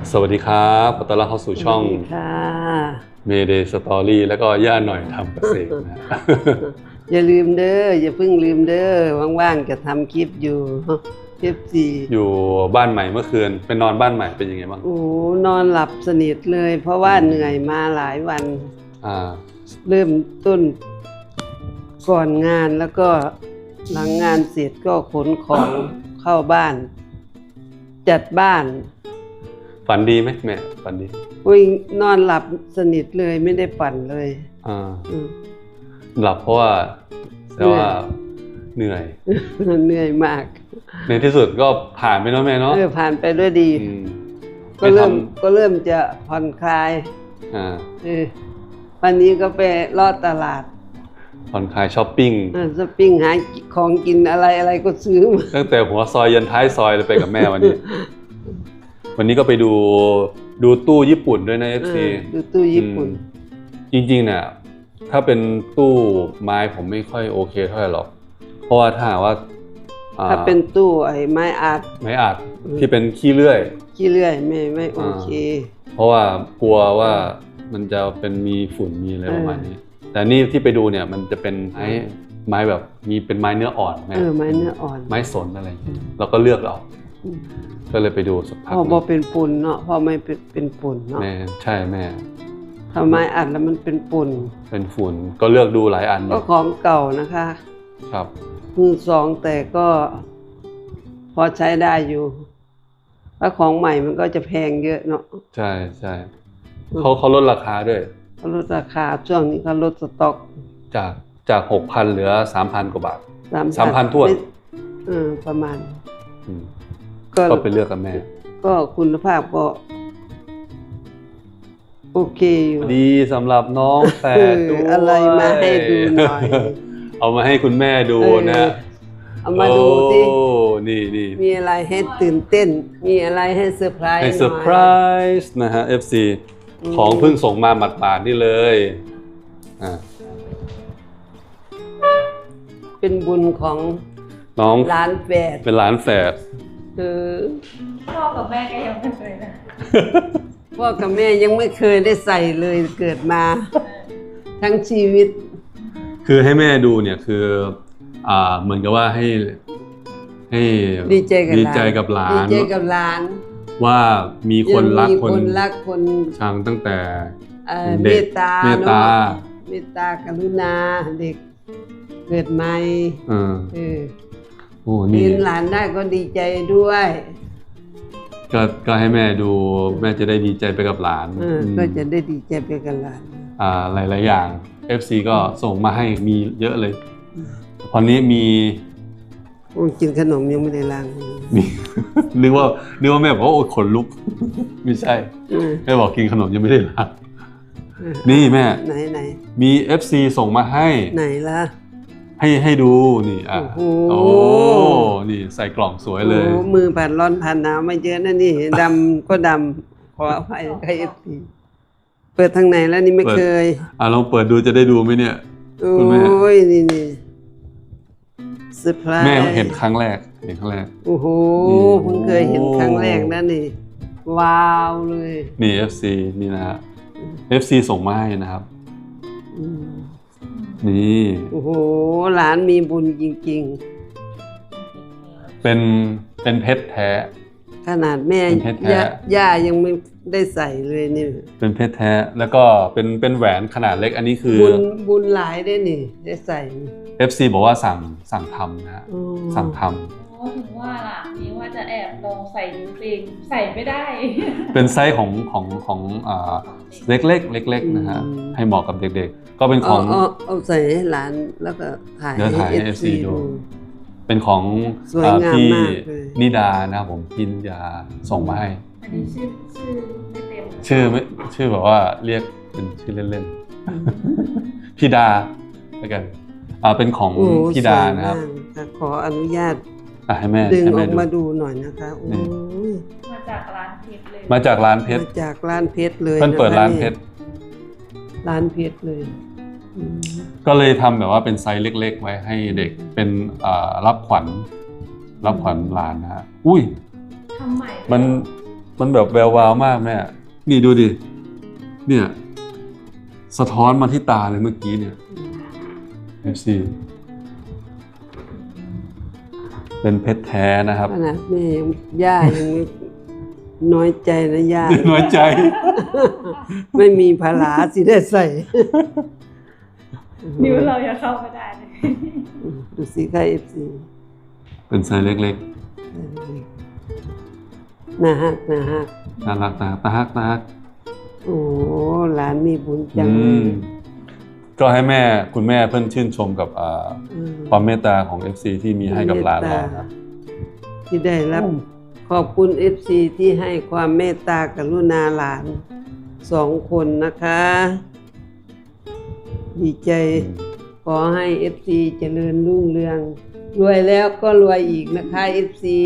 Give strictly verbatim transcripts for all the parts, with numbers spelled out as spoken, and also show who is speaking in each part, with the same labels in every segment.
Speaker 1: สวัสดีครับขอต้อนรับเข้าสู่ช่อง Mayday Story แล้วก็ย่าหน่อยทำเกษตรนะ
Speaker 2: อย่าลืมเด้ออย่าเพิ่งลืมเด้อว่างๆจะทำคลิปอยู่คลิปสี่
Speaker 1: อยู่บ้านใหม่เมื่อคืนไปนอนบ้านใหม่เป็นยังไงบ้าง
Speaker 2: โอ้นอนหลับสนิทเลย เพราะว่าเหนื่อยมาหลายวัน
Speaker 1: อ่า
Speaker 2: เริ่มต้นก่อนงานแล้วก็หลังงานเสร็จก็ขนของเข้าบ้าน จัดบ้าน
Speaker 1: ฝันดีไหมแม่ฝันดี
Speaker 2: อุ้ยนอนหลับสนิทเลยไม่ได้ปั่นเลย
Speaker 1: อ่าหลับเพราะว่าแต่ว่าเหนื่อย
Speaker 2: เหนื่อยมาก
Speaker 1: ในที่สุดก็ผ่านไปแล้วแม่เนาะ
Speaker 2: เออผ่านไปด้วยดีก็เริ่มก็เริ่มจะผ่อนคลาย
Speaker 1: อ่า
Speaker 2: เออวันนี้ก็ไปลอดตลาด
Speaker 1: ผ่อนคลายช้อปปิ้ง
Speaker 2: อ่าช้อปปิ้งหาของกินอะไรอะไรก็ซื้อมา
Speaker 1: ตั้งแต่หัวซอยยันท้ายซอยเลยไปกับแม่วันนี้วันนี้ก็ไปดูดูตู้ญี่ปุ่นด้วยนะ เอฟ ซี
Speaker 2: ดูตู้ญี่ปุ่น
Speaker 1: จริงๆเนี่ยถ้าเป็นตู้ไม้ผมไม่ค่อยโอเคเท่าไหร่หรอกเพราะว่าถ้าว่า
Speaker 2: ถ้าเป็นตู้ไอ้ไม้อัด
Speaker 1: ไม้อัดที่เป็นขี้เลื่อย
Speaker 2: ขี้เลื่อยไม่ไม่โอเค
Speaker 1: เพราะว่ากลัวว่ามันจะเป็นมีฝุ่นมีอะไรประมาณนี้แต่นี่ที่ไปดูเนี่ยมันจะเป็นไม้ไม้แบบมีเป็นไม้เนื้ออ่อน
Speaker 2: เออไม้เนื้ออ่อน
Speaker 1: ไม้สนอะไรอย่างเงี้ยเราก็เลือกเอาก็เลยไปดูสักพัก
Speaker 2: พอพอเป็นฝุ่นเนาะพอไม่เป็นเป็นฝุ่นเนาะ
Speaker 1: แม่ใช่แม่
Speaker 2: ทำไมอัดแล้วมันเป็นฝุ่น
Speaker 1: เป็นฝุ่นก็เลือกดูหลายอัน
Speaker 2: ก็ของเก่านะคะ
Speaker 1: ครับ
Speaker 2: มือสองแต่ก็พอใช้ได้อยู่ถ้าของใหม่มันก็จะแพงเยอะเนาะ
Speaker 1: ใช่ใช่เขาเขาลดราคาด้วย
Speaker 2: เขาลดราคาช่วงนี้เขาลดสต็อก
Speaker 1: จากจากหกพันเหลือสามพันกว่าบาทสามพันทั่ว
Speaker 2: เออประมาณ
Speaker 1: ก็ไปเลือกกับแม่
Speaker 2: ก็คุณภาพก็โอเคอยู่
Speaker 1: ดีสำหรับน้องแฝดด้วย
Speaker 2: อะไรมาให้ดูหน่อย
Speaker 1: เอามาให้คุณแม่ดูนะ
Speaker 2: เอามาดูสิ
Speaker 1: นี่นี่
Speaker 2: มีอะไรให้ตื่นเต้นมีอะไรให้เซอร์ไพรส์
Speaker 1: ให้เซอร์ไพรส์นะฮะ เอฟ ซี ของเพิ่งส่งมาหมาดๆนี่เลยอ่า
Speaker 2: เป็นบุญของ
Speaker 1: น้อง
Speaker 2: หลานแฝด
Speaker 1: เป็นหลานแฝด
Speaker 2: เออ
Speaker 3: พ่อกับแม่ก็ยังไม่เคยนะ
Speaker 2: พ่อกับแม่ยังไม่เคยได้ใส่เลยเกิดมาทั้งชีวิต
Speaker 1: คือให้แม่ดูเนี่ยคืออ่าเหมือนกับว่าให้ให้
Speaker 2: ดีใจกับ
Speaker 1: ดีใจกับหลาน
Speaker 2: ดีใจกับหลาน
Speaker 1: ว่ามีคนรัก
Speaker 2: คนรักคน
Speaker 1: ชังตั้งแต่
Speaker 2: เมตตา
Speaker 1: เมตตา
Speaker 2: เมตตากรุณาเด็กเกิดใหม่เออเออ
Speaker 1: โอ้นี่
Speaker 2: เห็นหลานได้ก็ดีใจด้วย
Speaker 1: ก็ก็ให้แม่ดูแม่จะได้ดีใจไปกับหลาน
Speaker 2: ก็จะได้ดีใจไปกับหลาน
Speaker 1: อ่าหลายๆอย่าง เอฟ ซี ก็ส่งมาให้มีเยอะเลยตอนนี้มี
Speaker 2: โอ้กินขนมยังไม่ได้ล้าง
Speaker 1: มีนึกว่านึกว่าแม่บอกว่าโอ้ขนลุกไม่ใช่แม่บอกกินขนมยังไม่ได้ล้างนี่แม่
Speaker 2: ไหนไหน
Speaker 1: มี เอฟ ซี ส่งมาให้
Speaker 2: ไหนล่ะ
Speaker 1: ให้ให้ดูนี่อ่ะโอ้นี่ใส่กล่องสวยเลย
Speaker 2: โอ้มือผ่านร้อนผ่านหนาวไม่เยอะนะนี่ดำก็ดำขออภัยใคร เอฟ ซี เปิดทางไหนแล้วนี่ไม่เคย
Speaker 1: อ่ะลองเปิดดูจะได้ดูไหมเนี่ย
Speaker 2: คุณแม่โอ้ยนี่นี่เซอร์ไพรส์
Speaker 1: แม่เห็นครั้งแรกเห็นครั้งแรก
Speaker 2: โอ้โหเพิ่งเคยเห็นครั้งแรกนะนี่ว้าวเลย
Speaker 1: นี่ เอฟ ซี นี่นะฮะ เอฟ ซี ส่งมาให้นะครับนี่
Speaker 2: โอ้โหหลานมีบุญจริง
Speaker 1: ๆเป็นเป็นเพชรแท้
Speaker 2: ขนาดแม่ย่าย่ายังไม่ได้ใส่เลยนี่
Speaker 1: เป็นเพชรแท้แล้วก็เป็นเป็นแหวนขนาดเล็กอันนี้คือ
Speaker 2: บุญบุญหลายได้นี่ได้ใส่
Speaker 1: เอฟ ซี บอกว่าสั่งสั่งทำนะสั่งทำ
Speaker 3: โอ้ถึงว่าล่ะนี่ว่าจะแอบลองใส่จริงๆใส่ไม่ได้
Speaker 1: เป็นไซส์ของของของอ่าเล็กเล็กเล็กๆนะฮะให้เหมาะกับเด็กๆก็เป็นของ
Speaker 2: เอาใส่ให้หลานแล้วก็ถ่าย
Speaker 1: ให้ เอฟ ซี ดูเป็นของพี่นิดานะครับผมพี่นิดาส่งมาให้
Speaker 3: อันนี้ชื่อชื่อไม่เต็ม
Speaker 1: ชื่อไม่ชื่อแบบว่าเรียกเป็นชื่อเล่นๆพี่ดาแล้วกันอ่าเป็นของพี่ดานะครับ
Speaker 2: ขออนุญาต
Speaker 1: ให้แม่
Speaker 2: ดึงออกมาดูหน่อยนะคะโอ้ย
Speaker 3: มาจากร้านเพชรเลย
Speaker 1: มาจากร้านเพชร
Speaker 2: มาจากร้านเพชรเลย
Speaker 1: เพิ่นเปิดร้านเพชร
Speaker 2: ร้านเพชรเลย
Speaker 1: ก็เลยทำแบบว่าเป็นไซส์เล็กๆไว้ให้เด็กเป็นรับขวัญรับขวัญหลานนะฮะอุ้ย
Speaker 3: ทำใหม่
Speaker 1: มันมันแบบแวววาวมากแม่นี่ดูดิเนี่ยสะท้อนมาที่ตาเลยเมื่อกี้เนี่ยเอฟซีเป็นเพชรแท้นะครับ
Speaker 2: ขนาดแม่ยังย่ายังไม่น้อยใจนะย่า
Speaker 1: น้อยใจ
Speaker 2: ไม่มีผาลาสิได้ใส่
Speaker 3: นิ้วเราอย่าเข้าไม่ได้เลย
Speaker 2: ดูสิค่ะเอฟซี
Speaker 1: เป็นไซส์เล็ก
Speaker 2: น่าฮักน่าฮัก
Speaker 1: ๆน่ารักนะตาฮักตาฮัก
Speaker 2: โอ้หลานมีบุญจัง
Speaker 1: อืมก็ให้แม่คุณแม่เพิ่นชื่นชมกับอ่า
Speaker 2: อืม
Speaker 1: ความเมตตาของ เอฟ ซี ที่มีให้กับหลานเราครับ
Speaker 2: ที่ได้รับ ขอบคุณเอฟซีที่ให้ความเมตตากรุณาหลานสองคนนะคะ ดีใจ ขอให้เอฟซีเจริญรุ่งเรือง รวยแล้วก็รวยอีกนะคะเอฟซี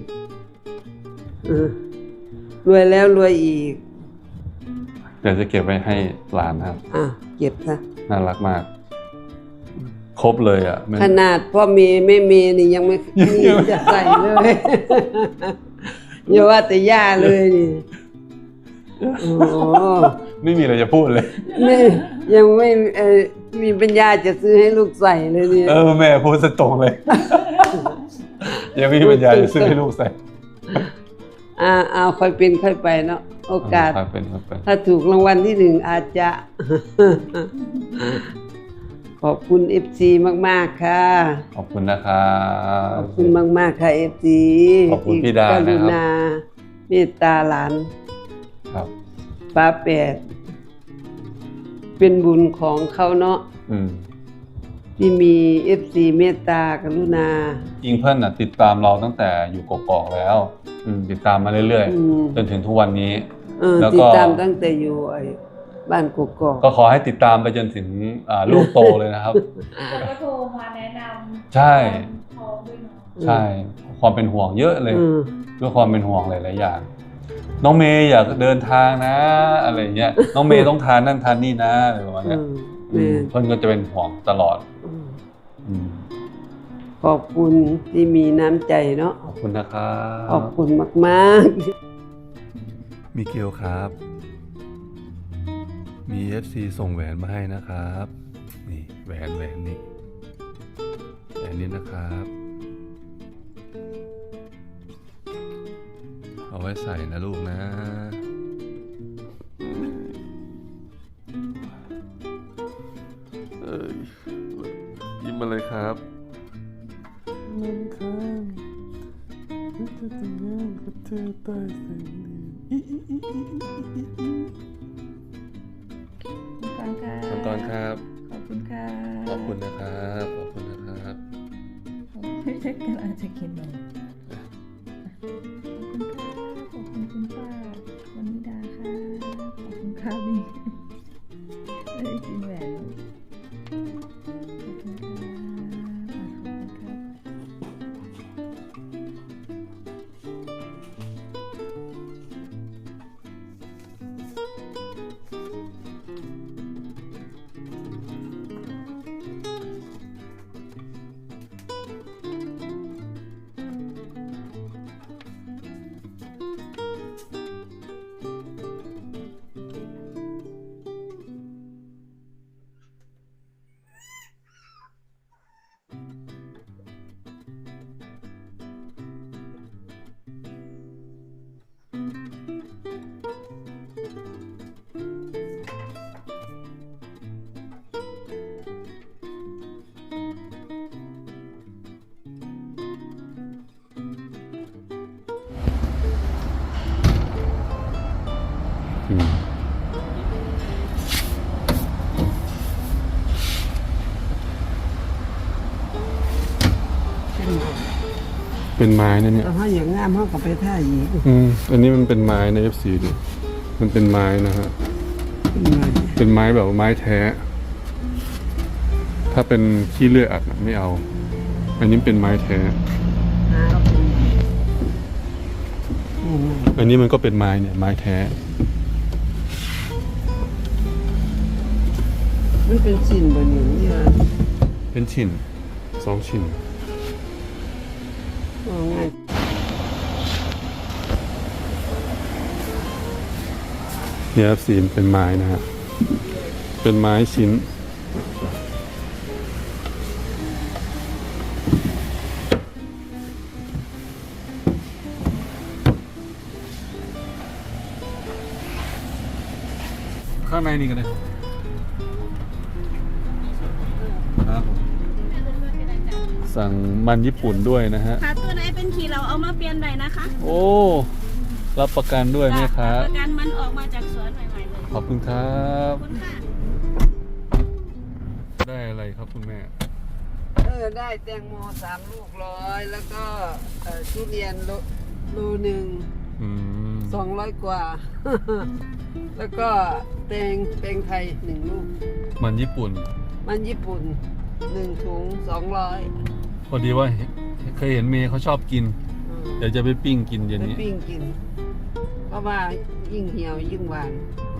Speaker 2: รวยแล้วรวยอีก
Speaker 1: เดี๋ยวจะเก็บไว้ให้หลานนะครับ
Speaker 2: อ่ะเก็บซะ
Speaker 1: น่ารักมาก ครบเลยอ่ะมัน
Speaker 2: ขนาดพ่อเมย์ไม่เมย์นี่ยังไม่มีจะใส่เลย อย่าว่าแต่ย่าเลยนี่โอ้โห
Speaker 1: ไม่มีอะไรจะพูดเลย
Speaker 2: ไม่ยังไม่เออมีปัญญาจะซื้อให้ลูกใส่เลยเนี่ย
Speaker 1: เออแม่พูดสตรงเลย ยังไม่มีปัญญาจะซื้อให้ลูกใส่
Speaker 2: อ่าเอาค่อยเป็นค่อยไปเนาะโอกาส
Speaker 1: ครับเป็นครับเป็น
Speaker 2: ถ้าถูกรางวัลที่หนึ่งอาจจะ ขอบคุณเอฟซีมากๆค่ะ
Speaker 1: ขอบคุณนะครับ
Speaker 2: ขอบคุณมากๆค่ะเอฟซี
Speaker 1: ขอบคุณพี่ดานะครับ
Speaker 2: กรุณาเมตตาหลาน
Speaker 1: ครับ
Speaker 2: ป้าแปด เป็นบุญของเขาเนาะ
Speaker 1: อืม
Speaker 2: ที่มีเอฟซีเมตตากรุณา
Speaker 1: ยิงเพื่อนน่ะติดตามเราตั้งแต่อยู่กอกๆแล้ว อืมติดตามมาเรื่อย
Speaker 2: อืม
Speaker 1: ๆจนถึงทุกวันนี้
Speaker 2: เออ
Speaker 1: แล้วก็
Speaker 2: ติดตามตั้งแต่อยู่ไอ้บ้านกกอก
Speaker 1: ก็ขอให้ติดตามไปจนถึงอ่าลูกโตเลยนะครับ
Speaker 3: แล้วก็โทรมาแนะนำ
Speaker 1: ใช่
Speaker 3: พร้อมด้วยเนาะ
Speaker 1: ใช่ ความเป็นห่วงเยอะเลย
Speaker 2: อืม
Speaker 1: ด้วยความเป็นห่วงหลายๆอย่าง น้องเมย์อยากเดินทางนะ อะไรเงี้ย น้องเมย์ต้องทานนั่นทานนี่นะอะไรประมาณ
Speaker 2: อื
Speaker 1: เนี้ย
Speaker 2: ม
Speaker 1: อื
Speaker 2: แม่
Speaker 1: มเพื่อนก็จะเป็นห่วงตลอด
Speaker 2: อืม
Speaker 1: อืม
Speaker 2: ขอบคุณที่มีน้ำใจเนาะ
Speaker 1: ขอบคุณนะครับ
Speaker 2: ขอบคุณมาก
Speaker 1: มิเกลครับ มี เอฟ ซี ส่งแหวนมาให้นะครับ นี่แหวนแหวนนี่แหวนนี้นะครับ เอาไว้ใส่นะลูกนะ เอ้ยยิ้มมาเลยครับน้ำค้างจะแต่งงานกับเธอใต้แสงเดือน
Speaker 3: มังกรค่ะ
Speaker 1: มังกรครับ
Speaker 3: ขอบคุณค่ะ
Speaker 1: ขอบคุณนะครับ ขอบคุณนะครับ
Speaker 3: ไม่ใช่กำลังจะกินนมขอบคุณค่ะขอบคุณคุณป้าวันนิดาค่ะขอบคุณค่ะนี่ไม่ได้กินแหวนขอบคุณค่ะขอบคุณค่ะ
Speaker 1: อืมเป็นไม้นะเนี่ย
Speaker 2: ๆถ้าอย่างงามเขาก็ไปท่าหยีก
Speaker 1: อืม อันนี้มันเป็นไม้ใน เอฟ ซี ดิมันเป็นไม้นะฮะ เป็นไม้แบบว่าไม้แท้ ถ้าเป็นขี้เลื่อยอัดน่ะไม่เอา อันนี้เป็นไม้แท้ อันนี้มันก็เป็นไม้เนี่ยไม้แท้
Speaker 2: มันเป็นชิ้นบนอย่างนี้นะ
Speaker 1: เป็นชิ้นสองชิ้น
Speaker 2: ว่าง่าย
Speaker 1: เนี่ยครับสีมเป็นไม้นะฮะเป็นไม้ชิ้นข้างในนี่กันเลยครับผมสั่งมันญี่ปุ่นด้วยนะฮะ
Speaker 4: ค่ะตัวไหนเป็นขีเราเอามาเปลี่ยนได้นะคะ
Speaker 1: โอ้ รับประกันด้วยไหมคะ
Speaker 4: ประกันมันออกมาจากสวนใหม่ๆเลย
Speaker 1: ขอบคุณครับ
Speaker 4: ขอบคุณค่ะ
Speaker 1: ได้อะไรครับคุณแม่
Speaker 2: เออได้แตงโมสามลูกร้อยแล้วก็เอ่อทุเรียนโลโลหนึ่ง
Speaker 1: อืม
Speaker 2: สองร้อยกว่า แล้วก็แตงแตงไทยหนึ่งลูก
Speaker 1: มันญี่ปุ่น
Speaker 2: มันญี่ปุ่นหนึ่งถุงสองร้อย
Speaker 1: พอดีว่าเคยเห็นเมย์เขาชอบกิน เดี๋ยวจะไปปิ้งกินเย็น
Speaker 2: ไป
Speaker 1: นี้
Speaker 2: ปิ้งกิน เพราะว่ายิ่งเหี่ยวยิ่งหวาน
Speaker 1: อ